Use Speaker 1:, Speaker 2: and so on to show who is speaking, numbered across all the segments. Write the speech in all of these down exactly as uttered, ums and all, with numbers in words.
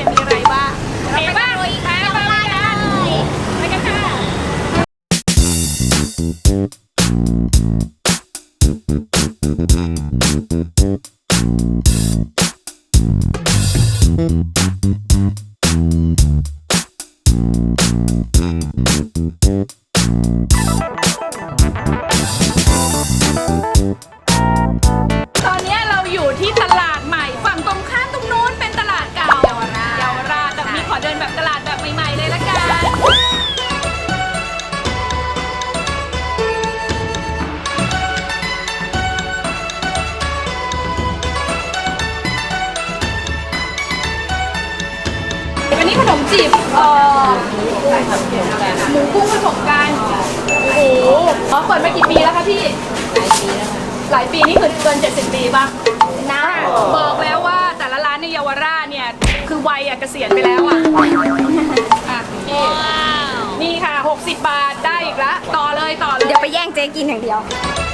Speaker 1: มีอะไรบ้างเอ๋บ้างไปไปไปกันไปกันค่ะตอนนี้เราอยู่ที่ตลาดใหม่ฝั่งตรงข้ามตรงนู้นเป็นตลาดเก่าเยาวราชเยาวราชแต่วันนี้ขอเดินแบบตลาดแบบใหม่ๆเลยละกันอันนี้ขนมจีบเอ่อหมูกุ้งผสมกันโอ้โหอ๋อเปิดมากี่ปีแล้วคะพี่หลายปีแล้วหลายปีนี่คือเกินเจ็ดสิบปีป่ะนะบอกแล้วว่าแต่ละร้านในเยาวราชเนี่ยคือวัยอะเกษียณไปแล้วอะอ่ะนี่นี่ค่ะหกสิบบาทได้อีกละต่อเลยต่อเลย
Speaker 2: เดี๋ยวไปแย่งเจ๊กินอย่างเดียว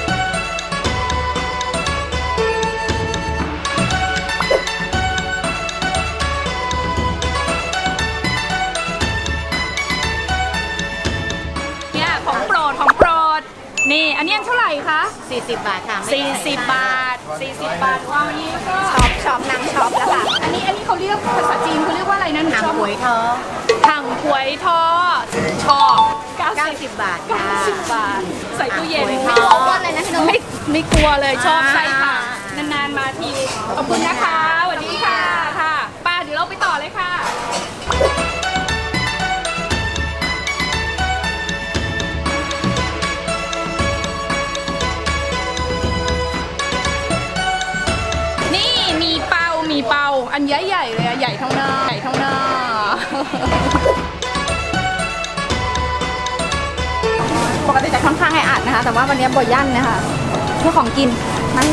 Speaker 1: เนี่ยของโปรดของโปรดนี่อันนี้เท่าไหร่คะ
Speaker 3: สี่สิบบาทค่ะ
Speaker 1: สี่สิบบาทสี่สิบบาทว่าวันนี้ก็
Speaker 2: ช็อปช็อปนางช็อปแล้วค่ะ
Speaker 1: อันนี้อันนี้เขาเรียกภาษาจีนเขาเรียกว่าอะไรนะหนู
Speaker 3: ทาง
Speaker 1: ชอบ
Speaker 3: หวยทอ
Speaker 1: ถังหวยทอชอบ
Speaker 3: เก้าสิบบาทค่ะ
Speaker 1: เก้าสิบบาทใส่ตู้เย็น
Speaker 3: หวยท
Speaker 1: ไม่
Speaker 3: อ
Speaker 1: กลัวเลยนะพี่นุ๊กไม่ไม่กลัวเลยชอบไส้ค่ะนานๆมาทีขอบคุณนะคะสวัสดีค่ะค่ะป้าเดี๋ยวเราไปต่อเลยค่ะนี่มีเป้ามีเป้าอันใหญ่ๆเลยอะใหญ่เท่าหน้าใหญ่เท่าหน้า
Speaker 2: ปกติจะค่อนข้างแออัดนะคะแต่ว่าวันนี้บ่อยยั่นนะคะเพื่อของกินมัน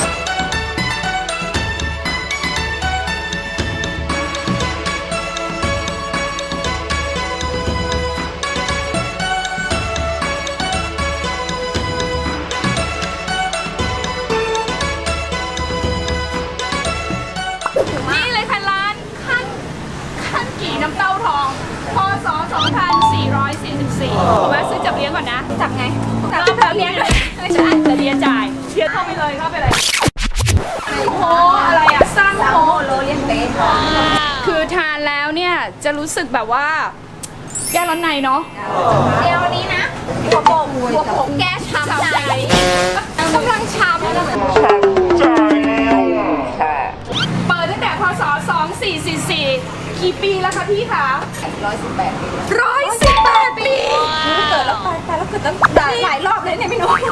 Speaker 1: นี่เลยค่ะร้านขั้นขั้นกี่น้ำเต้าทองพศสองพันสี่ร้อยสี่สิบสี่ผมว่าซื้อจับเลี้ยงก่อนนะ
Speaker 2: จับไง
Speaker 1: จับเลี้ยงเลยไม่ใช่จะเลี้ยงจ่ายเลี้ยงเข้าไปเลยเข้าไปเลยโอ้อะไรอ่ะสร้างโอ้
Speaker 2: โรเลียนเต้
Speaker 1: คือทานแล้วเนี่ยจะรู้สึกแบบว่าแก้ร้อนในเนาะ
Speaker 2: เดี๋ยวนี้นะหัวโป่งหัวโป่งแก้ช้ำใจกำลังช้ำ
Speaker 1: เปิดตั้งแต่พศสองพันสี่ร้อยสี่สิบสี่กี่ปีแล้วคะพี่คะ
Speaker 2: ร้อยสิบแปดปี
Speaker 1: ร้อยสิบแปดปี
Speaker 2: เกิดแล้วตายตายแล้วเกิดตั้งหลายรอบเลยเนี่ยพี่นุ๊ก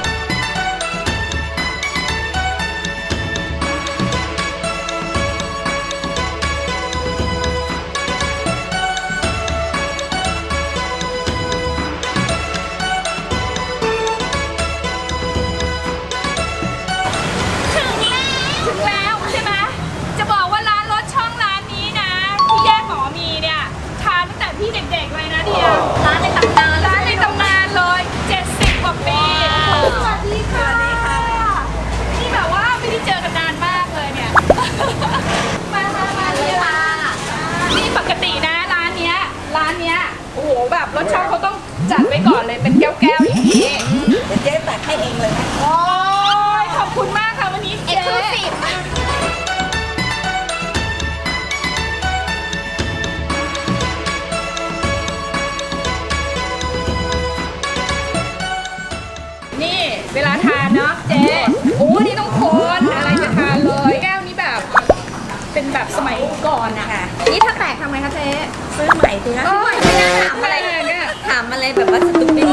Speaker 1: ถึงแล้วถึงแล้วใช่ไหมจะบอกว่าร้านรถช่องร้านนี้นะที่แยกหมอมีเนี่ยทานตั้งแต่พี่เด็กๆเลยนะเดียว
Speaker 2: ร้านในตำนาน
Speaker 1: ร้านในตำนานเลยเจ็ดสิบกว่าปีสวัสดีค่ะนี่แบบว่าไม่ได้เจอกันนานมากเลยเนี่ยมามามาเลยค่ะนี่ปกตินะร้านเนี้ยร้านเนี้ยโอ้โหแบบรถช่องเขาต้องจัดไว้ก่อนเลยเป็นแก้วๆอย่างนี้
Speaker 3: เดี๋ยวเจ๊ตักให้เองเลยนะ
Speaker 1: โอ้ยขอบคุณมากค่ะวันนี้
Speaker 2: เอ็ก
Speaker 1: เจ๊
Speaker 2: ซ์คลูซีฟ
Speaker 1: นี่เวลาทานเนาะเจ๊โอ้นี่ต้องคนอะไรจะทานเลยแก้วนี้แบบเป็นแบบสมัยก่อนอะ
Speaker 2: นี่ถ้าแตกทำไงคะเจ๊
Speaker 3: ซื้อใหม่สิคะ
Speaker 1: โอ้ยไม่น่าถามอะไรเนี่ย
Speaker 3: ถามอะไรแบบว่าสตูปิด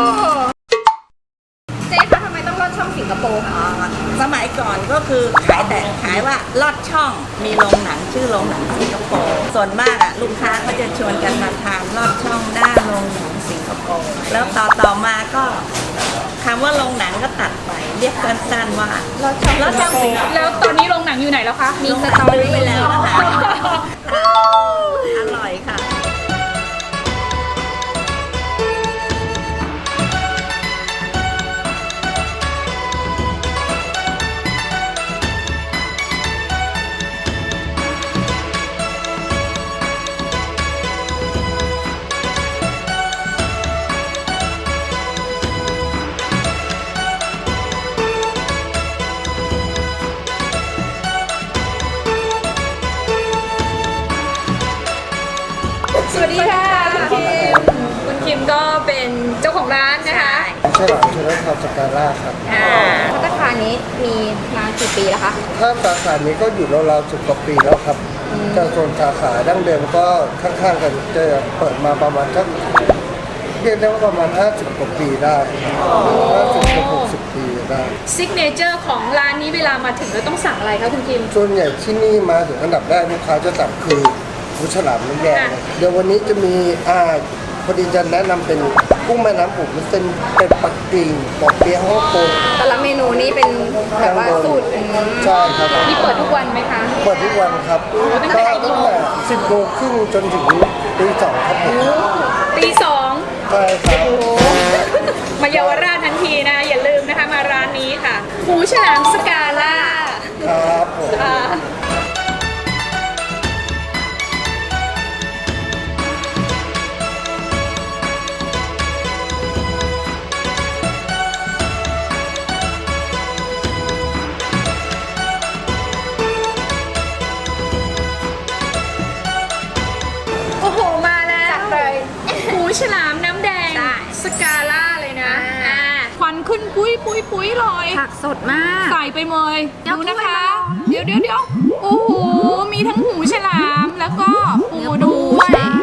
Speaker 2: เจ๊คะทำไมต้องรอดช่องสิงคโปร์คะ
Speaker 3: สมัยก่อนก็คือขายแต่ขายว่าลอดช่องมีโรงหนังชื่อโรงหนังสิงคโปร์ส่วนมากอ่ะลูกค้าก็จะชวนกันมาทานลอดช่องหน้าโรงหนังสิงคโปร์แล้วต่อต่อมาก็คำว่าโรงหนังก็ตัดไปเรียกสั้นๆว่าลอดช่องลอดช่องสิงคโปร์
Speaker 1: แล้วตอนนี้โรงหนังอยู่ไหนแล้วคะ
Speaker 2: มีสตอรี่
Speaker 3: ไปแล้วนะคะอร่อยค่ะ
Speaker 1: ดีค่ะคุณคิมคุณคิมก็เป็นเจ้าของร้านนะคะ
Speaker 4: ฉลามชนทาวสกาล่าครับ
Speaker 2: อ่าพัตตาคารนี้มีมากี่ปีแล้วคะ
Speaker 4: ถ้าสาขานี้ก็อยู่ราวๆสิบกว่าปีแล้วครับแต่ส่วนสาขาดั้งเดิมก็ข้างๆกันจะเปิดมาประมาณสักเรียกได้ว่าประมาณห้าสิบกว่าปีได้ห้าสิบถึงหกสิบปีได้
Speaker 1: ซิกเนเจอร์ของร้านนี้เวลามาถึงแล้วต้องสั่งอะไรคะคุณคิม
Speaker 4: ส่วนใหญ่ที่นี่มาถึงอันดับแรกลูกค้าจะสั่งคือหูฉลามน้ำแดงนะเดี๋ยววันนี้จะมีอ่าพอดีจะแนะนำเป็นกุ้งแม่น้ำปูมันเป็นเป็นปักกิ่งปอกเปี๊ยะฮ่องกง
Speaker 2: แต่ละเมนูนี้เป็นแบบว่าสูตรอืม
Speaker 4: ใช่ครับ
Speaker 1: มีเปิดทุกวันไหมคะ
Speaker 4: เปิดทุกวันครับ
Speaker 1: ตั้ง
Speaker 4: ก็
Speaker 1: แต่
Speaker 4: ตั้งแต่สิบโมงครึ่งจนถึงตีสองครับผม
Speaker 1: ตีสอง
Speaker 4: ใช่ครับ
Speaker 1: มาเยาวราชทันทีนะ อย่าลืมนะคะมาร้านนี้ค่ะหูฉลามสกาล่า
Speaker 4: ครับผม
Speaker 1: ค่ะโอ้โห มาแล้ว
Speaker 2: จัดเลย
Speaker 1: หูฉลามน้ำแดง
Speaker 2: ได้
Speaker 1: สกาล่าเลยนะ
Speaker 2: อ่า
Speaker 1: อ่าควันขึ้นปุ้ยปุ้ยปุ้ยเลย
Speaker 2: ผักสดมาก
Speaker 1: ใส่ไปเลย
Speaker 2: เดี๋ยว
Speaker 1: ดูนะคะ
Speaker 2: ถ้วยมาลอง
Speaker 1: เดี๋ยวเดี๋ยวเดี๋ยวโอ้โห มีทั้งหูฉลามแล้วก็ปูด้วย
Speaker 2: ใช่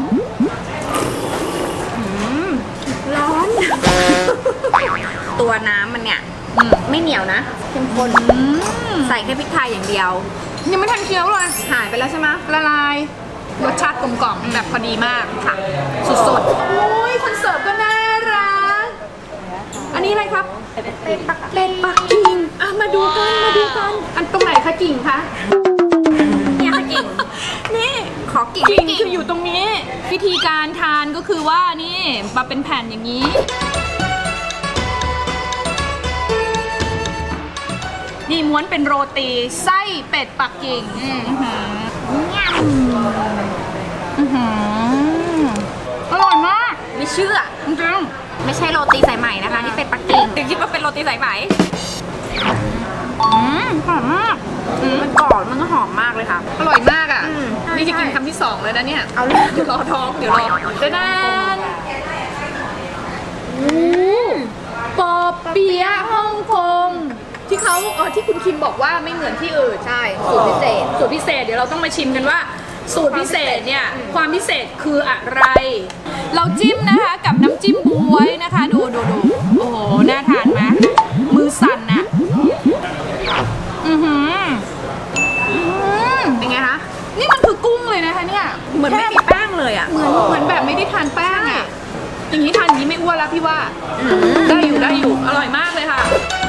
Speaker 2: ร้อน ตัวน้ำมันเนี่ยไม่เหนียวนะเข้มข้น
Speaker 1: อืม
Speaker 2: ใส่แค่พริกไทยอย่างเดียว
Speaker 1: ยังไม่ทันเคี้ยวเลย
Speaker 2: หายไปแล้วใช่ไหม
Speaker 1: ละลาย รสชาติกลมกล่อมแบบพอดีมากค่ะ สุดๆ โอ้ยคนเสิร์ฟก็น่ารัก อันนี้อะไรครับ
Speaker 2: เป็นปัก
Speaker 1: เป็นปักกิ่งอ่ะมาดูกันมาดูกัน อันตรงไหนคะกิ่งคะ
Speaker 2: เนี่ยค่ะกิ่ง
Speaker 1: นี่
Speaker 2: ขอกิ่ง
Speaker 1: กิ่งคืออยู่ตรงนี้ วิธีการทานก็คือว่านี่มาเป็นแผ่นอย่างนี้ นี่ม้วนเป็นโรตีไส้เป็ดปักกิ่งอื้อหือ
Speaker 2: เนี่ย
Speaker 1: อื้อหืออร่อยมาก
Speaker 2: ไม่เชื่อ
Speaker 1: จริง
Speaker 2: ไม่ใช่โรตีสายไหมนะคะ นี่เป็นปักกิ่งถึงคิดว่าเป็นโรตีสายไหม
Speaker 1: ๆอืมหอมมาก
Speaker 2: อืมมันกรอบมันก็หอมมากเลยค่ะ
Speaker 1: อร่อยมากอ่ะ
Speaker 2: อืม
Speaker 1: นี่จะกิน
Speaker 2: ใช่
Speaker 1: คำที่สองเลยนะเนี่ย
Speaker 2: เอาเลย
Speaker 1: เดี๋ยวรอท้องเดี๋ยวรอเดี๋ยวนะปอเปี๊ยะฮ่องกงที่เขาเออที่คุณคิมบอกว่าไม่เหมือนที่อื่น
Speaker 2: ใช่ สูตรพิเศษ
Speaker 1: สูตรพิเศษเดี๋ยวเราต้องมาชิมกันว่า สูตรพิเศษเนี่ยความพิเศษคืออะไร เราจิ้มนะคะกับน้ำจิ้มบวยนะคะ ดูดูดูโอ้โหน่าทานไหมมือสั่นน่ะอือหืออื้อหือ
Speaker 2: เป็นไงคะ
Speaker 1: นี่มันคือกุ้งเลยนะคะเนี่ย
Speaker 2: เหมือนไม่มีแป้งเลยอ่ะ
Speaker 1: เหมือนเหมือนแบบไม่ได้ทานแป้งอ่ะอย่างนี้ทานอย่างนี้ไม่อ้วนแล้วพี่ว่า
Speaker 2: อืม
Speaker 1: ได้อยู่ได้อยู่อร่อยมากเลยค่ะ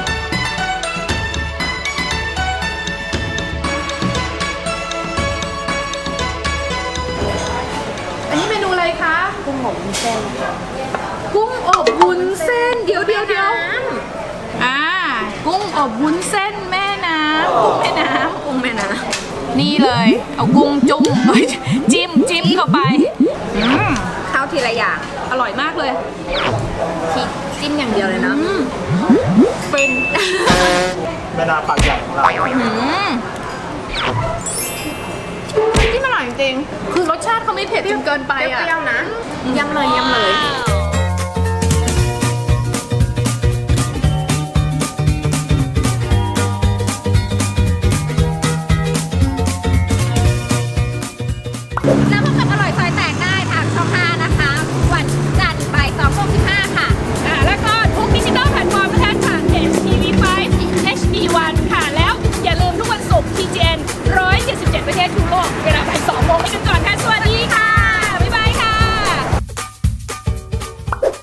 Speaker 1: อันนี้เมนูอะไรคะ
Speaker 2: กุ้งหมกวุ้นเส้น
Speaker 1: กุ้งอบวุ้นเส้น เดี๋ยวเดี๋ยวเดี๋ยวอ่า กุ้งอบวุ้นเส้นแม่น้ำกุ้งแม่น้
Speaker 2: กุ้งแม่นะ
Speaker 1: ำนี่เลย เอากุ้งจุ่ม เอ้ยจิ้มจิ้มเข้าไปอืม
Speaker 2: เข้าทีละอย่าง
Speaker 1: อร่อยมากเลย
Speaker 2: ที่จิ้มอย่างเดียวเลยนะ
Speaker 1: อืมเป็น
Speaker 4: แม่นาปากใหญ่ของเรา
Speaker 1: อืมที่มันอร่อยจริงๆคือรสชาติเขาไม่เผ็ดจนเกินไป
Speaker 2: เป
Speaker 1: อ่ะ
Speaker 2: รี้ยวๆนะยำเลยยำเลย
Speaker 1: ว